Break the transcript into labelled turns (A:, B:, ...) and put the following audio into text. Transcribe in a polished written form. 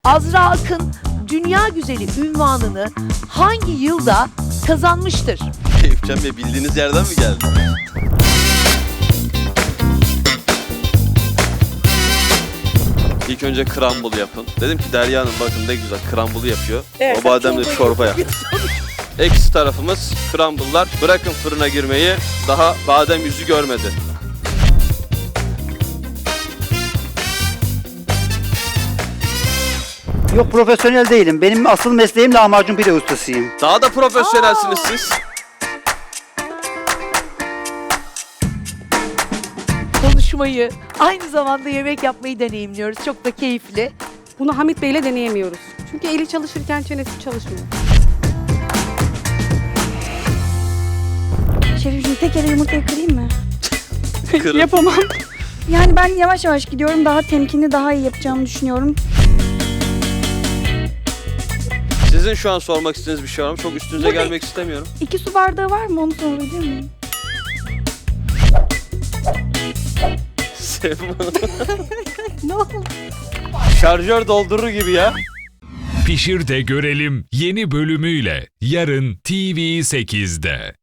A: Azra Akın dünya güzeli ünvanını hangi yılda kazanmıştır?
B: Eyüpcan Bey bildiğiniz yerden mi geldi? İlk önce crumble yapın. Dedim ki Derya Hanım bakın ne güzel crumble yapıyor.
A: Evet,
B: O bademle çorba yap. Eksi tarafımız crumble'lar. Bırakın fırına girmeyi, daha badem yüzü görmedi.
C: Yok, profesyonel değilim. Benim asıl mesleğim lahmacun pide ustasıyım.
B: Daha da profesyonelsiniz siz.
A: Konuşmayı, aynı zamanda yemek yapmayı deneyimliyoruz. Çok da keyifli.
D: Bunu Hamit Bey'le deneyemiyoruz. Çünkü eli çalışırken çenesi çalışmıyor.
E: Şerifciğim tek ele yumurtayı kırayım mı?
B: Kırın.
D: Yapamam.
E: Yani ben yavaş yavaş gidiyorum. Daha temkinli, daha iyi yapacağımı düşünüyorum.
B: Sizin şu an sormak istediğiniz bir şey var mı? Çok üstünüze
E: Burada-
B: gelmek istemiyorum.
E: 2 su bardağı var mı? Onu sorabilir miyim?
B: Sevim Hanım.
E: Ne oldu?
B: Şarjör doldurur gibi ya.
F: Pişir de görelim yeni bölümüyle yarın TV8'de.